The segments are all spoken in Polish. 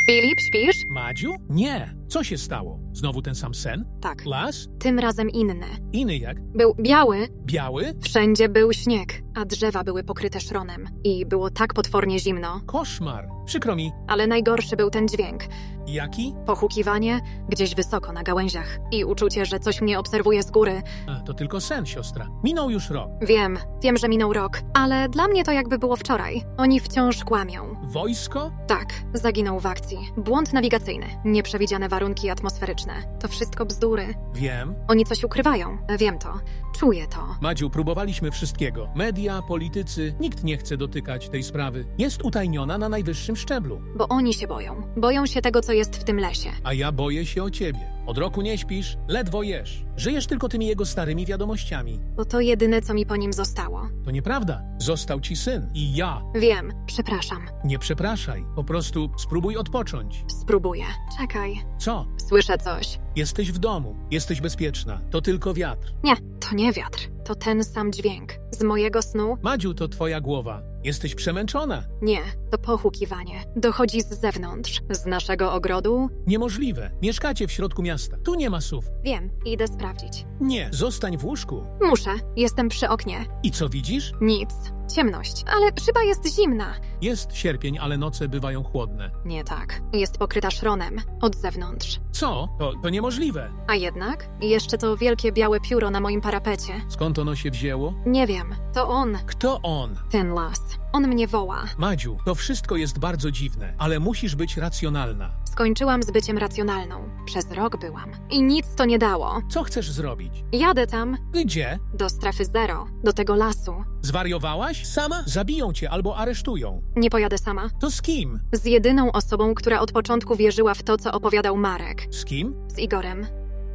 Filip, śpisz? Madziu? Nie. Co się stało? Znowu ten sam sen? Tak. Las? Tym razem inny. Inny jak? Był biały, Biały? wszędzie był śnieg, a drzewa były pokryte szronem. I było tak potwornie zimno. Koszmar. Przykro mi. Ale najgorszy był ten dźwięk. Jaki? Pochukiwanie gdzieś wysoko na gałęziach. I uczucie, że coś mnie obserwuje z góry. A, to tylko sen, siostra. Minął już rok. Wiem, że minął rok, ale dla mnie to jakby było wczoraj. Oni wciąż kłamią. Wojsko? Tak, zaginął w akcji. Błąd nawigacyjny, nieprzewidziane warunki atmosferyczne. To wszystko bzdury. Wiem. Oni coś ukrywają. Wiem to. Czuję to. Madziu, próbowaliśmy wszystkiego. Media, politycy, nikt nie chce dotykać tej sprawy. Jest utajniona na najwyższym szczeblu. Bo oni się boją. Boją się tego, co jest w tym lesie. A ja boję się o ciebie. Od roku nie śpisz, ledwo jesz. Żyjesz tylko tymi jego starymi wiadomościami. Bo to jedyne, co mi po nim zostało. To nieprawda. Został ci syn. I ja. Wiem, przepraszam. Nie przepraszaj. Po prostu spróbuj odpocząć. Spróbuję. Czekaj. Co? Słyszę coś. Jesteś w domu. Jesteś bezpieczna. To tylko wiatr. Nie, to nie wiatr. To ten sam dźwięk. Z mojego snu? Madziu, to twoja głowa. Jesteś przemęczona. Nie, to pochukiwanie. Dochodzi z zewnątrz. Z naszego ogrodu? Niemożliwe. Mieszkacie w środku miasta. Tu nie ma sów. Wiem, idę sprawdzić. Nie, zostań w łóżku. Muszę. Jestem przy oknie. I co widzisz? Nic. Ciemność. Ale szyba jest zimna. Jest sierpień, ale noce bywają chłodne. Nie tak. Jest pokryta szronem. Od zewnątrz. Co? To niemożliwe. A jednak? Jeszcze to wielkie białe pióro na moim parapecie. Skąd ono się wzięło? Nie wiem. To on. Kto on? Ten las. On mnie woła. Madziu, to wszystko jest bardzo dziwne, ale musisz być racjonalna. Skończyłam z byciem racjonalną. Przez rok byłam. I nic to nie dało. Co chcesz zrobić? Jadę tam. Gdzie? Do strefy zero. Do tego lasu. Zwariowałaś? Sama? Zabiją cię albo aresztują. Nie pojadę sama. To z kim? Z jedyną osobą, która od początku wierzyła w to, co opowiadał Marek. Z kim? Z Igorem.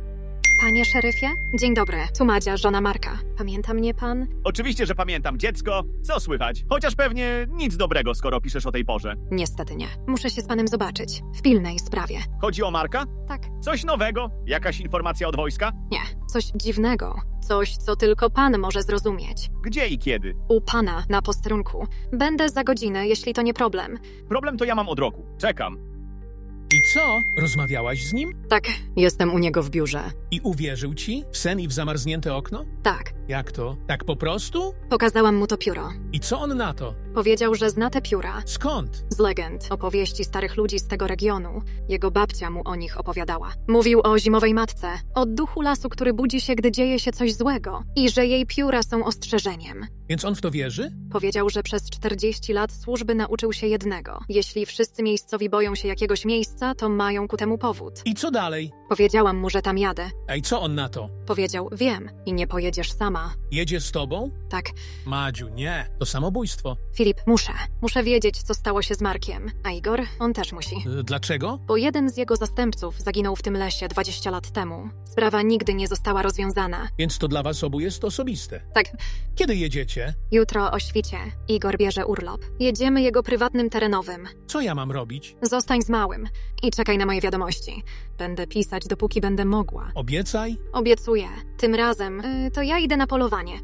Panie szeryfie? Dzień dobry. Tu Madzia, żona Marka. Pamięta mnie pan? Oczywiście, że pamiętam, dziecko. Co słychać? Chociaż pewnie nic dobrego, skoro piszesz o tej porze. Niestety nie. Muszę się z panem zobaczyć. W pilnej sprawie. Chodzi o Marka? Tak. Coś nowego? Jakaś informacja od wojska? Nie. Coś dziwnego. Coś, co tylko pan może zrozumieć. Gdzie i kiedy? U pana na posterunku. Będę za godzinę, jeśli to nie problem. Problem to ja mam od roku. Czekam. I co? Rozmawiałaś z nim? Tak. Jestem u niego w biurze. I uwierzył ci? W sen i w zamarznięte okno? Tak. Jak to? Tak po prostu? Pokazałam mu to pióro. I co on na to? Powiedział, że zna te pióra. Skąd? Z legend, opowieści starych ludzi z tego regionu. Jego babcia mu o nich opowiadała. Mówił o zimowej matce, o duchu lasu, który budzi się, gdy dzieje się coś złego i że jej pióra są ostrzeżeniem. Więc on w to wierzy? Powiedział, że przez 40 lat służby nauczył się jednego. Jeśli wszyscy miejscowi boją się jakiegoś miejsca, to mają ku temu powód. I co dalej? Powiedziałam mu, że tam jadę. Ej, co on na to? Powiedział, wiem i nie pojedziesz sama. Jedzie z tobą? Tak, Madziu, nie. To samobójstwo. Filip, muszę wiedzieć, co stało się z Markiem. A Igor? On też musi. Dlaczego? Bo jeden z jego zastępców zaginął w tym lesie 20 lat temu. Sprawa nigdy nie została rozwiązana. Więc to dla was obu jest osobiste. Tak, Kiedy jedziecie? jutro o świcie. Igor bierze urlop. Jedziemy jego prywatnym terenowym. Co ja mam robić? Zostań z małym i czekaj na moje wiadomości. Będę pisać, dopóki będę mogła. Obiecaj? Obiecuję. Tym razem to ja idę na polowanie.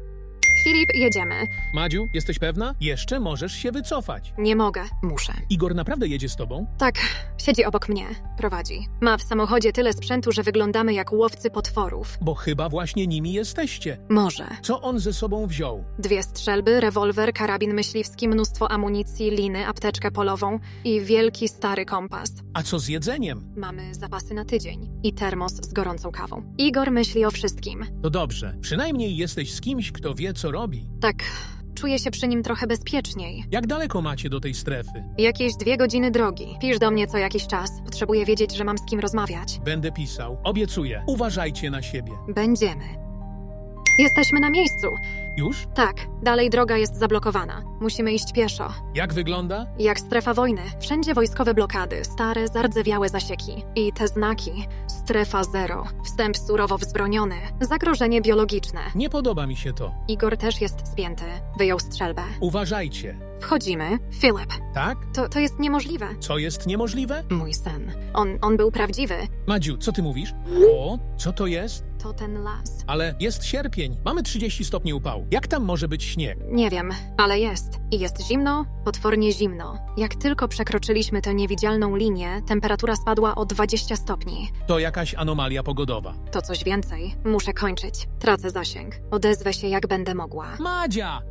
Filip, jedziemy. Madziu, jesteś pewna? Jeszcze możesz się wycofać. Nie mogę. Muszę. Igor naprawdę jedzie z tobą? Tak, siedzi obok mnie. Prowadzi. Ma w samochodzie tyle sprzętu, że wyglądamy jak łowcy potworów. Bo chyba właśnie nimi jesteście. Może. Co on ze sobą wziął? 2 strzelby, rewolwer, karabin myśliwski, mnóstwo amunicji, liny, apteczkę polową i wielki stary kompas. A co z jedzeniem? Mamy zapasy na tydzień i termos z gorącą kawą. Igor myśli o wszystkim. To dobrze. Przynajmniej jesteś z kimś, kto wie, co robi. Tak, czuję się przy nim trochę bezpieczniej. Jak daleko macie do tej strefy? Jakieś 2 godziny drogi. Pisz do mnie co jakiś czas. Potrzebuję wiedzieć, że mam z kim rozmawiać. Będę pisał. Obiecuję. Uważajcie na siebie. Będziemy. Jesteśmy na miejscu. Już? Tak, dalej droga jest zablokowana. Musimy iść pieszo. Jak wygląda? Jak strefa wojny. Wszędzie wojskowe blokady, stare, zardzewiałe zasieki. I te znaki. Strefa zero. Wstęp surowo wzbroniony. Zagrożenie biologiczne. Nie podoba mi się to. Igor też jest spięty. Wyjął strzelbę. Uważajcie. Wchodzimy. Filip, Tak? to jest niemożliwe. Co jest niemożliwe? Mój sen. On był prawdziwy. Madziu, co ty mówisz? O, co to jest? To ten las. Ale jest sierpień. Mamy 30 stopni upału. Jak tam może być śnieg? Nie wiem, ale jest. I jest zimno, potwornie zimno. Jak tylko przekroczyliśmy tę niewidzialną linię, temperatura spadła o 20 stopni. To jakaś anomalia pogodowa. To coś więcej. Muszę kończyć. Tracę zasięg. Odezwę się jak będę mogła. Madzia!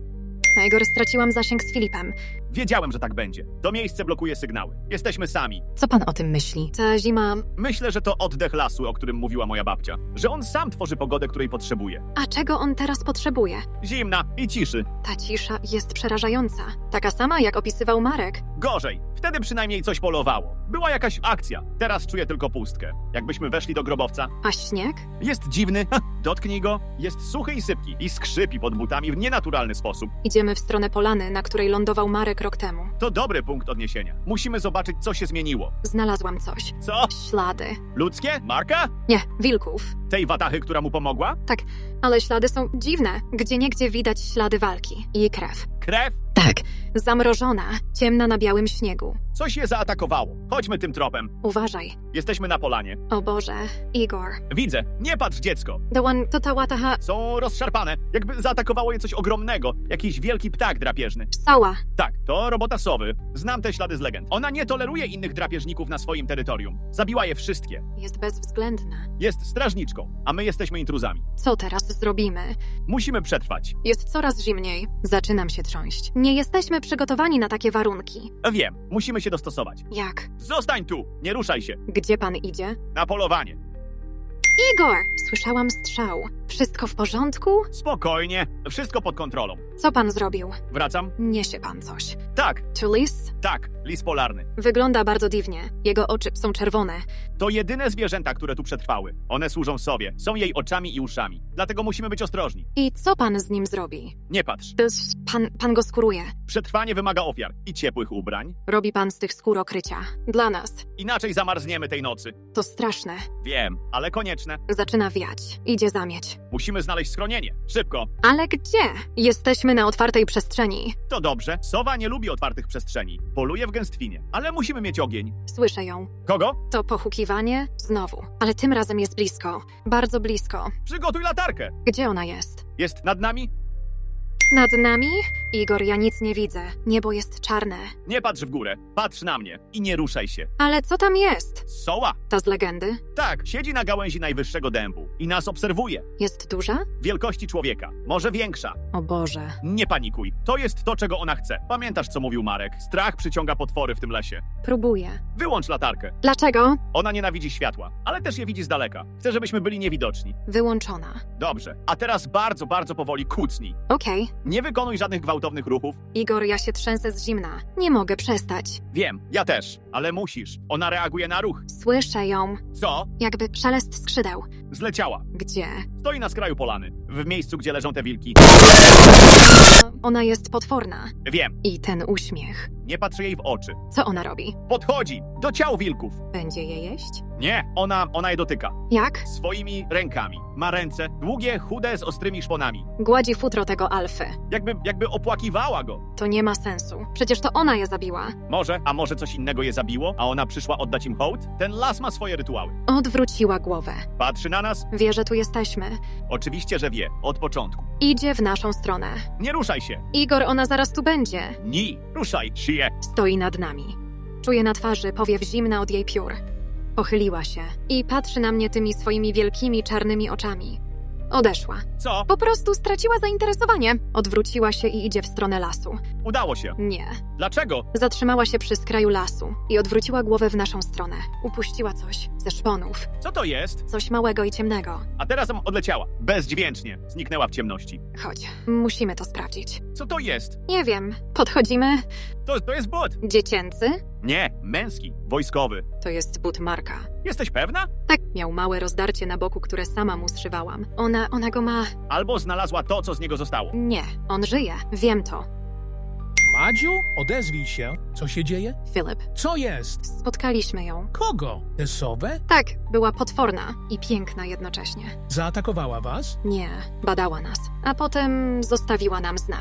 Igor, straciłam zasięg z Filipem. Wiedziałem, że tak będzie. To miejsce blokuje sygnały. Jesteśmy sami. Co pan o tym myśli? Ta zima... Myślę, że to oddech lasu, o którym mówiła moja babcia. Że on sam tworzy pogodę, której potrzebuje. A czego on teraz potrzebuje? Zimna i ciszy. Ta cisza jest przerażająca. Taka sama, jak opisywał Marek. Gorzej. Wtedy przynajmniej coś polowało. Była jakaś akcja. Teraz czuję tylko pustkę. Jakbyśmy weszli do grobowca. A śnieg? Jest dziwny. Dotknij go. Jest suchy i sypki. I skrzypi pod butami w nienaturalny sposób. Idziemy w stronę polany, na której lądował Marek rok temu. To dobry punkt odniesienia. Musimy zobaczyć, co się zmieniło. Znalazłam coś. Co? Ślady. Ludzkie? Marka? Nie, wilków. Tej watachy, która mu pomogła? Ale ślady są dziwne. Gdzieniegdzie widać ślady walki. I krew. Krew? Tak. Zamrożona, ciemna na białym śniegu. Coś je zaatakowało. Chodźmy tym tropem. Uważaj. Jesteśmy na polanie. O Boże. Igor. Widzę. Nie patrz, dziecko. To ta łataha... Są rozszarpane. Jakby zaatakowało je coś ogromnego. Jakiś wielki ptak drapieżny. Sała. Tak, to robota sowy. Znam te ślady z legend. Ona nie toleruje innych drapieżników na swoim terytorium. Zabiła je wszystkie. Jest bezwzględna. Jest strażniczką, a my jesteśmy intruzami. Co teraz zrobimy? Musimy przetrwać. Jest coraz zimniej. Zaczynam się trząść. Nie jesteśmy przygotowani na takie warunki. Wiem, musimy się dostosować. Jak? Zostań tu! Nie ruszaj się. Gdzie pan idzie? Na polowanie. Igor! Słyszałam strzał. Wszystko w porządku? Spokojnie. Wszystko pod kontrolą. Co pan zrobił? Wracam? Niesie pan coś. Tak, To lis? tak. Lis polarny. Wygląda bardzo dziwnie. Jego oczy są czerwone. To jedyne zwierzęta, które tu przetrwały. One służą sowie. Są jej oczami i uszami. Dlatego musimy być ostrożni. I co pan z nim zrobi? Nie patrz. Pan go skóruje. Przetrwanie wymaga ofiar i ciepłych ubrań. Robi pan z tych skór okrycia. Dla nas. Inaczej zamarzniemy tej nocy. To straszne. Wiem, ale konieczne. Zaczyna wiać. Idzie zamieć. Musimy znaleźć schronienie. Szybko. Ale gdzie? Jesteśmy na otwartej przestrzeni. To dobrze. Sowa nie lubi otwartych przestrzeni. Poluje w gęstwinie. Ale musimy mieć ogień. Słyszę ją. Kogo? To pochukiwanie? Znowu. Ale tym razem jest blisko. Bardzo blisko. Przygotuj latarkę. Gdzie ona jest? Jest nad nami? Nad nami? Igor, ja nic nie widzę. Niebo jest czarne. Nie patrz w górę. Patrz na mnie. I nie ruszaj się. Ale co tam jest? Soła? Ta z legendy? Tak, siedzi na gałęzi najwyższego dębu. I nas obserwuje. Jest duża? Wielkości człowieka. Może większa. O Boże. Nie panikuj. To jest to, czego ona chce. Pamiętasz, co mówił Marek? Strach przyciąga potwory w tym lesie. Próbuję. Wyłącz latarkę. Dlaczego? Ona nienawidzi światła, ale też je widzi z daleka. Chce, żebyśmy byli niewidoczni. Wyłączona. Dobrze. A teraz bardzo, bardzo powoli kucnij. Okej. Nie wykonuj żadnych gwałtownych ruchów. Igor, ja się trzęsę z zimna. Nie mogę przestać. Wiem, ja też. Ale musisz. Ona reaguje na ruch. Słyszę ją. Co? Jakby szelest skrzydeł. Zleciała. Gdzie? Stoi na skraju polany. W miejscu, gdzie leżą te wilki. Ona jest potworna. Wiem. I ten uśmiech. Nie patrz jej w oczy. Co ona robi? Podchodzi do ciał wilków. Będzie je jeść? Nie, ona je dotyka. Jak? Swoimi rękami. Ma ręce długie, chude, z ostrymi szponami. Gładzi futro tego alfy. Jakby opłakiwała go. To nie ma sensu. Przecież to ona je zabiła. A może coś innego je zabiło, a ona przyszła oddać im hołd? Ten las ma swoje rytuały. Odwróciła głowę. Patrzy na nas? Wie, że tu jesteśmy. Oczywiście, że wie. Od początku. Idzie w naszą stronę. Nie ruszaj się. Igor, ona zaraz tu będzie. Ni. Ruszaj, szyję. Stoi nad nami. Czuję na twarzy powiew zimna od jej piór. Pochyliła się i patrzy na mnie tymi swoimi wielkimi czarnymi oczami. Odeszła. Co? Po prostu straciła zainteresowanie. Odwróciła się i idzie w stronę lasu. Udało się. Nie. Dlaczego? Zatrzymała się przy skraju lasu i odwróciła głowę w naszą stronę. Upuściła coś ze szponów. Co to jest? Coś małego i ciemnego. A teraz odleciała. Bezdźwięcznie. Zniknęła w ciemności. Chodź, musimy to sprawdzić. Co to jest? Nie wiem. Podchodzimy. To jest but. Dziecięcy? Nie, męski, wojskowy. To jest but Marka. Jesteś pewna? Tak, miał małe rozdarcie na boku, które sama mu zszywałam. Ona go ma... Albo znalazła to, co z niego zostało. Nie, on żyje. Wiem to. Madziu, odezwij się. Co się dzieje? Filip, Co jest? spotkaliśmy ją. Kogo? Tę sowę? Tak, była potworna i piękna jednocześnie. Zaatakowała was? Nie, badała nas, a potem zostawiła nam znak.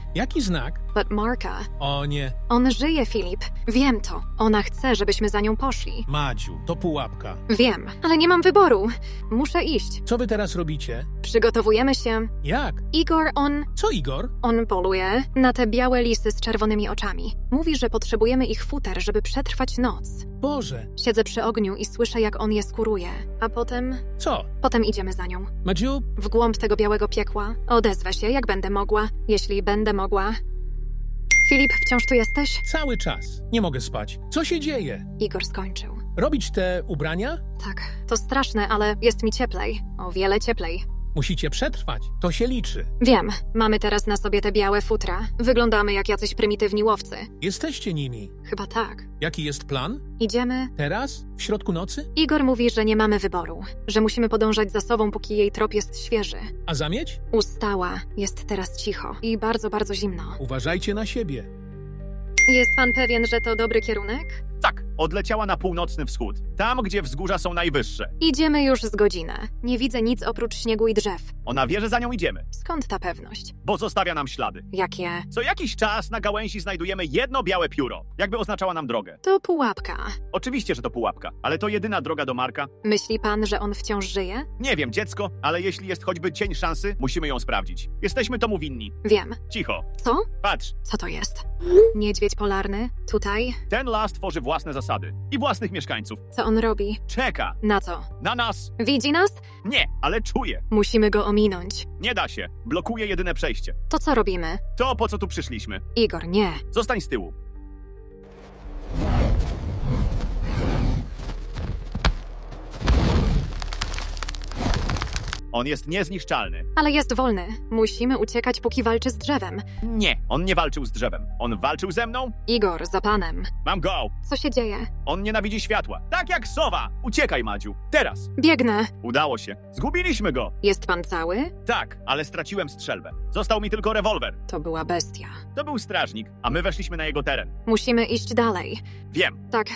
Jaki znak? But Marka, O nie, on żyje, Filip. Wiem to. Ona chce, żebyśmy za nią poszli. Madziu, to pułapka. Wiem, ale nie mam wyboru. Muszę iść. Co wy teraz robicie? Przygotowujemy się. Jak? Igor, Co, Igor? on poluje na te białe lisy z czerwonymi oczami. Mówi, że potrzebujemy ich futer, żeby przetrwać noc. Boże, Siedzę przy ogniu i słyszę, jak on je skóruje. A co? potem idziemy za nią. Madziu, W głąb tego białego piekła. Odezwę się, jak będę mogła. Jeśli będę mogła. Filip, wciąż tu jesteś? cały czas. Nie mogę spać. Co się dzieje? Igor skończył. Robić te ubrania? Tak, to straszne, ale jest mi cieplej. O wiele cieplej. Musicie przetrwać. To się liczy. Wiem, mamy teraz na sobie te białe futra. Wyglądamy jak jacyś prymitywni łowcy. Jesteście nimi. Chyba tak. Jaki jest plan? Idziemy. Teraz? W środku nocy? Igor mówi, że nie mamy wyboru. Że musimy podążać za sobą, póki jej trop jest świeży. A zamieć? Ustała. Jest teraz cicho. I bardzo, bardzo zimno. Uważajcie na siebie. Jest pan pewien, że to dobry kierunek? Tak, odleciała na północny wschód. Tam, gdzie wzgórza są najwyższe. Idziemy już z godzinę. Nie widzę nic oprócz śniegu i drzew. Ona wie, że za nią idziemy, Skąd ta pewność? bo zostawia nam ślady. Jakie? Co jakiś czas na gałęzi znajdujemy jedno białe pióro, jakby oznaczała nam drogę. To pułapka. Oczywiście, że to pułapka, ale to jedyna droga do Marka. Myśli pan, że on wciąż żyje? Nie wiem, dziecko, ale jeśli jest choćby cień szansy, musimy ją sprawdzić. Jesteśmy tomu winni. Wiem. Cicho. Co? Patrz, Co to jest? Niedźwiedź polarny? Tutaj? ten las tworzy własne zasady i własnych mieszkańców. Co on robi? Czeka Na co? na nas. Widzi nas? Nie, ale czuje. Musimy go ominąć. Nie da się. Blokuje jedyne przejście. To co robimy? To, po co tu przyszliśmy. Igor, nie. Zostań z tyłu. On jest niezniszczalny. Ale jest wolny. Musimy uciekać, póki walczy z drzewem. Nie, on nie walczył z drzewem. On walczył ze mną? Igor, za panem. Mam go! Co się dzieje? On nienawidzi światła. Tak jak sowa! Uciekaj, Madziu. Teraz. Biegnę. Udało się. Zgubiliśmy go. Jest pan cały? Tak, ale straciłem strzelbę. Został mi tylko rewolwer. To była bestia. To był strażnik, a my weszliśmy na jego teren. Musimy iść dalej. Wiem. Tak,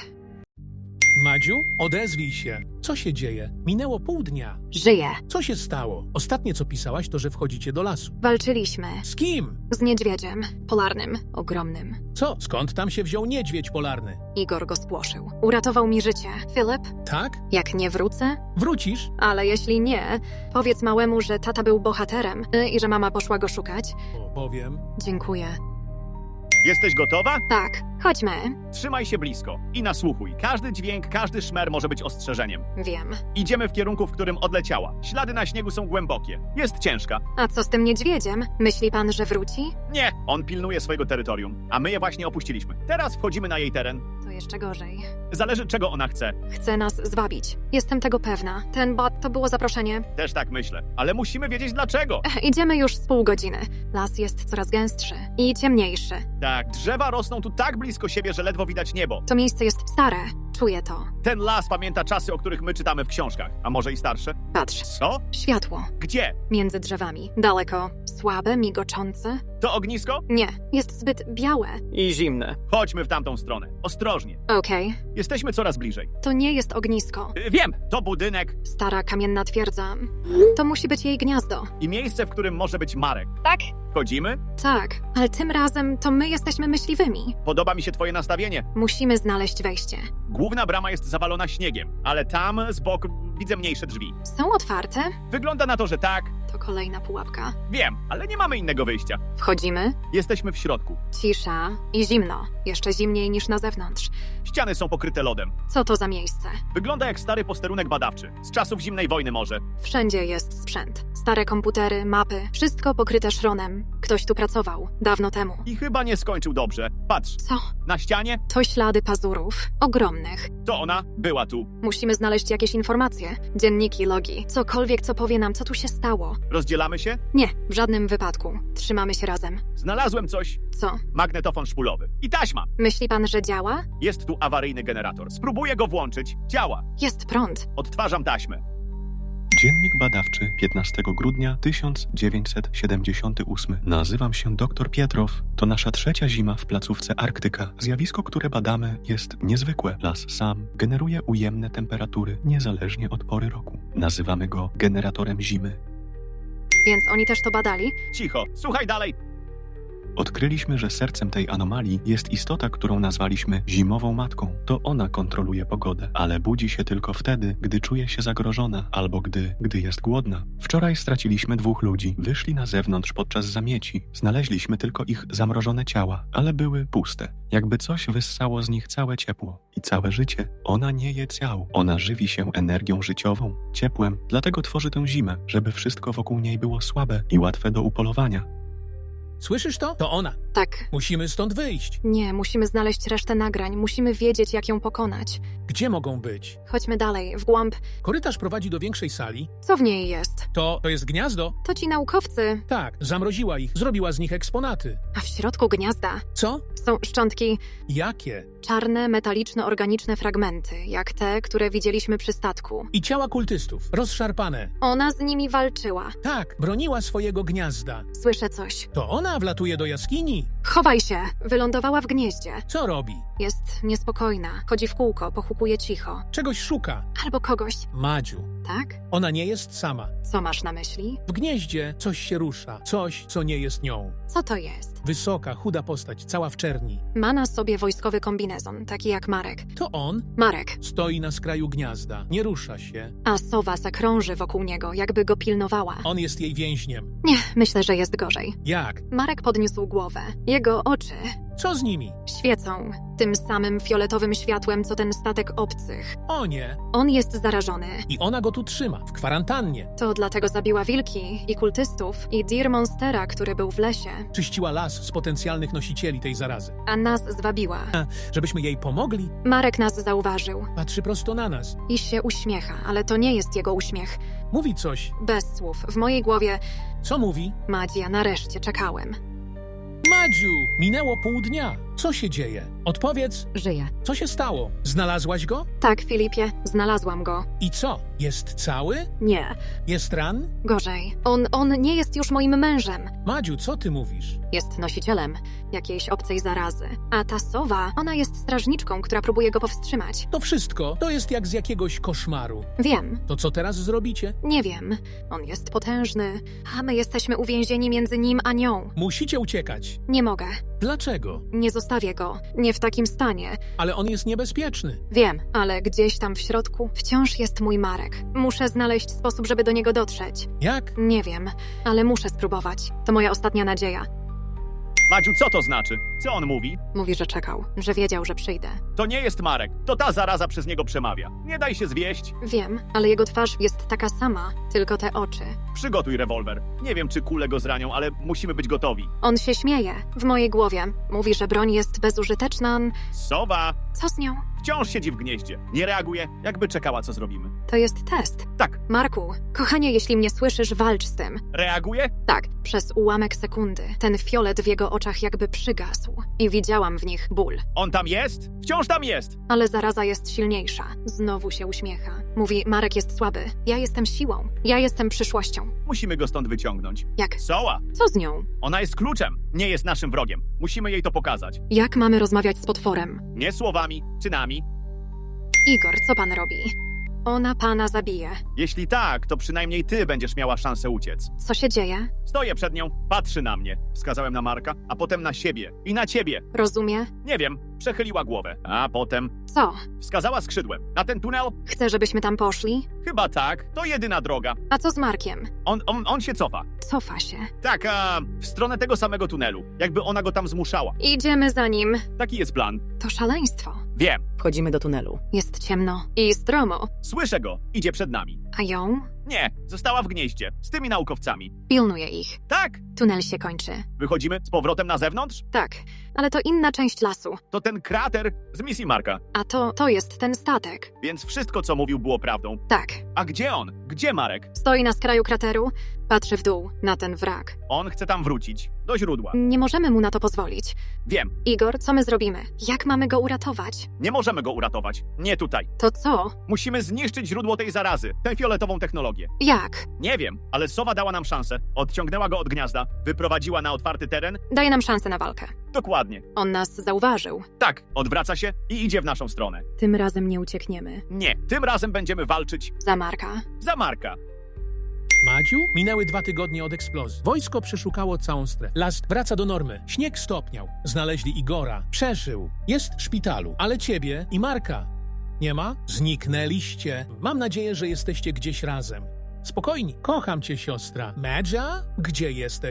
Madziu, odezwij się. Co się dzieje? Minęło pół dnia. żyję. Co się stało? Ostatnie, co pisałaś, to, że wchodzicie do lasu. Walczyliśmy. Z kim? Z niedźwiedziem. Polarnym. Ogromnym. Co? Skąd tam się wziął niedźwiedź polarny? Igor go spłoszył. Uratował mi życie. Filip, Tak? jak nie wrócę? Wrócisz? Ale jeśli nie, powiedz małemu, że tata był bohaterem i że mama poszła go szukać. Powiem. Dziękuję. Jesteś gotowa? Tak, chodźmy. Trzymaj się blisko i nasłuchuj. Każdy dźwięk, każdy szmer może być ostrzeżeniem. Wiem. Idziemy w kierunku, w którym odleciała. Ślady na śniegu są głębokie. Jest ciężka. A co z tym niedźwiedziem? Myśli pan, że wróci? Nie, on pilnuje swojego terytorium, a my je właśnie opuściliśmy. Teraz wchodzimy na jej teren. To jeszcze gorzej. Zależy, czego ona chce. Chce nas zwabić. Jestem tego pewna. Ten bot to było zaproszenie. Też tak myślę. Ale musimy wiedzieć dlaczego. Idziemy już z pół godziny. Las jest coraz gęstszy i ciemniejszy. Tak, drzewa rosną tu tak blisko siebie, że ledwo widać niebo. To miejsce jest stare. Czuję to. Ten las pamięta czasy, o których my czytamy w książkach. A może i starsze? Patrz. Co? Światło. Gdzie? Między drzewami. Daleko. Słabe, migoczące. To ognisko? Nie. Jest zbyt białe. I zimne. Chodźmy w tamtą stronę. Ostrożnie. Okej. Jesteśmy coraz bliżej. To nie jest ognisko. Wiem, to budynek Stara kamienna twierdza. To musi być jej gniazdo. i miejsce, w którym może być Marek. Tak? Wchodzimy? Tak. Ale tym razem to my jesteśmy myśliwymi. Podoba mi się twoje nastawienie. Musimy znaleźć wejście. Główna brama jest zawalona śniegiem, ale tam z boku widzę mniejsze drzwi. Są otwarte? Wygląda na to, że tak. To kolejna pułapka. Wiem, ale nie mamy innego wyjścia. Wchodzimy. Jesteśmy w środku. Cisza i zimno. Jeszcze zimniej niż na zewnątrz. Ściany są pokryte lodem. Co to za miejsce? Wygląda jak stary posterunek badawczy. Z czasów zimnej wojny może. Wszędzie jest sprzęt. Stare komputery, mapy. Wszystko pokryte szronem. Ktoś tu pracował. Dawno temu. I chyba nie skończył dobrze. Patrz, Co? na ścianie To ślady pazurów. Ogromnych. to ona była tu. Musimy znaleźć jakieś informacje. Dzienniki, logi. Cokolwiek, co powie nam, co tu się stało. Rozdzielamy się? Nie, w żadnym wypadku. Trzymamy się razem. Znalazłem coś. Co? Magnetofon szpulowy. I taśma. Myśli pan, że działa? Jest tu awaryjny generator. Spróbuję go włączyć. Działa. Jest prąd. Odtwarzam taśmę. Dziennik badawczy 15 grudnia 1978. Nazywam się dr Pietrow. To nasza trzecia zima w placówce Arktyka. Zjawisko, które badamy, jest niezwykłe. Las sam generuje ujemne temperatury niezależnie od pory roku. Nazywamy go generatorem zimy. Więc oni też to badali? Cicho. Słuchaj dalej. Odkryliśmy, że sercem tej anomalii jest istota, którą nazwaliśmy zimową matką. To ona kontroluje pogodę, ale budzi się tylko wtedy, gdy czuje się zagrożona albo gdy jest głodna. Wczoraj straciliśmy 2 ludzi. Wyszli na zewnątrz podczas zamieci. Znaleźliśmy tylko ich zamrożone ciała, ale były puste. Jakby coś wyssało z nich całe ciepło i całe życie. Ona nie je ciał. Ona żywi się energią życiową, ciepłem, dlatego tworzy tę zimę, żeby wszystko wokół niej było słabe i łatwe do upolowania. Słyszysz to? To ona. Tak. Musimy stąd wyjść. Nie, musimy znaleźć resztę nagrań. Musimy wiedzieć, jak ją pokonać. Gdzie mogą być? Chodźmy dalej, w głąb. Korytarz prowadzi do większej sali. Co w niej jest? To jest gniazdo? To ci naukowcy. Tak, zamroziła ich, zrobiła z nich eksponaty. A w środku gniazda Co? są szczątki, Jakie? czarne, metaliczno-organiczne fragmenty, jak te, które widzieliśmy przy statku. I ciała kultystów, rozszarpane. Ona z nimi walczyła. Tak, broniła swojego gniazda. Słyszę coś. To ona wlatuje do jaskini. Chowaj się! Wylądowała w gnieździe. Co robi? Jest niespokojna. Chodzi w kółko, pochukuje cicho. Czegoś szuka. Albo kogoś. Madziu, Tak? ona nie jest sama. Co masz na myśli? W gnieździe coś się rusza, coś, co nie jest nią. Co to jest? Wysoka, chuda postać, cała w czerni. Ma na sobie wojskowy kombinezon, taki jak Marek. To on Marek, stoi na skraju gniazda, nie rusza się. a sowa zakrąży wokół niego, jakby go pilnowała. On jest jej więźniem. Nie, myślę, że jest gorzej. Jak? Marek podniósł głowę. Jego oczy Co z nimi? świecą tym samym fioletowym światłem, co ten statek obcych. O nie! On jest zarażony. I ona go tu trzyma, w kwarantannie. To dlatego zabiła wilki i kultystów i Deer Monstera, który był w lesie, Czyściła las z potencjalnych nosicieli tej zarazy. a nas zwabiła. Żebyśmy jej pomogli, Marek nas zauważył patrzy prosto na nas. i się uśmiecha, ale to nie jest jego uśmiech. Mówi coś. Bez słów. W mojej głowie, Co mówi? Madzia, nareszcie czekałem. Madziu! Minęło pół dnia. Co się dzieje? Odpowiedz, Żyje. co się stało? Znalazłaś go? Tak, Filipie, znalazłam go. I co? Jest cały? Nie, Jest ran? gorzej. On nie jest już moim mężem. Madziu, co ty mówisz? Jest nosicielem jakiejś obcej zarazy. A ta sowa, ona jest strażniczką, która próbuje go powstrzymać. To wszystko to jest jak z jakiegoś koszmaru. Wiem, To co teraz zrobicie? nie wiem. On jest potężny, a my jesteśmy uwięzieni między nim a nią. Musicie uciekać. Nie mogę. Dlaczego? Nie zostawię go. Nie w takim stanie. Ale on jest niebezpieczny. Wiem, ale gdzieś tam w środku wciąż jest mój Marek. Muszę znaleźć sposób, żeby do niego dotrzeć. Jak? Nie wiem, ale muszę spróbować. To moja ostatnia nadzieja. Madziu, co to znaczy? Co on mówi? Mówi, że czekał, że wiedział, że przyjdę. To nie jest Marek. To ta zaraza przez niego przemawia. Nie daj się zwieść. Wiem, ale jego twarz jest taka sama, tylko te oczy. Przygotuj rewolwer. Nie wiem, czy kule go zranią, ale musimy być gotowi. On się śmieje. W mojej głowie. Mówi, że broń jest bezużyteczna. Sowa Co z nią? wciąż siedzi w gnieździe. Nie reaguje, jakby czekała, co zrobimy. To jest test. Tak, Marku, kochanie, jeśli mnie słyszysz, walcz z tym. reaguje? Tak, przez ułamek sekundy. Ten fiolet w jego oczach jakby przygasł. I widziałam w nich ból. On tam jest? Wciąż tam jest. Ale zaraza jest silniejsza. Znowu się uśmiecha. Mówi, Marek jest słaby. Ja jestem siłą. Ja jestem przyszłością. Musimy go stąd wyciągnąć. Jak? Soła, Co z nią? ona jest kluczem. Nie jest naszym wrogiem. Musimy jej to pokazać. Jak mamy rozmawiać z potworem? Nie słowami, czynami. Igor, co pan robi? Ona pana zabije. Jeśli tak, to przynajmniej ty będziesz miała szansę uciec. Co się dzieje? Stoję przed nią, patrzy na mnie. Wskazałem na Marka, a potem na siebie. I na ciebie. Rozumie? Nie wiem, przechyliła głowę. A potem Co? wskazała skrzydłem. Na ten tunel? Chce, żebyśmy tam poszli? Chyba tak. To jedyna droga. A co z Markiem? On się cofa. Cofa się. Tak, w stronę tego samego tunelu. Jakby ona go tam zmuszała. Idziemy za nim. Taki jest plan. To szaleństwo. Wiem. Wchodzimy do tunelu. Jest ciemno i stromo. Słyszę go. Idzie przed nami. A ją? Nie, została w gnieździe. Z tymi naukowcami. Pilnuje ich. Tak. Tunel się kończy. Wychodzimy z powrotem na zewnątrz? Tak, ale to inna część lasu. To ten krater z misji Marka. A to jest ten statek. Więc wszystko, co mówił, było prawdą. Tak. A gdzie on? Gdzie Marek? Stoi na skraju krateru, patrzy w dół, na ten wrak. On chce tam wrócić. Do źródła. Nie możemy mu na to pozwolić. Wiem. Igor, co my zrobimy? Jak mamy go uratować? Nie możemy go uratować. Nie tutaj. To co? Musimy zniszczyć źródło tej zarazy. Tę fioletową technologię. Jak? Nie wiem, ale sowa dała nam szansę. Odciągnęła go od gniazda. Wyprowadziła na otwarty teren. Daje nam szansę na walkę. Dokładnie. On nas zauważył. Tak, odwraca się i idzie w naszą stronę. Tym razem nie uciekniemy. Nie, tym razem będziemy walczyć Za Marka. za Marka. Madziu? Minęły 2 tygodnie od eksplozji. Wojsko przeszukało całą strefę. Las wraca do normy. Śnieg stopniał. Znaleźli Igora. Przeżył. Jest w szpitalu. Ale ciebie i Marka nie ma? Zniknęliście. Mam nadzieję, że jesteście gdzieś razem. Spokojnie. Kocham cię, siostra. Madzia? Gdzie jesteś?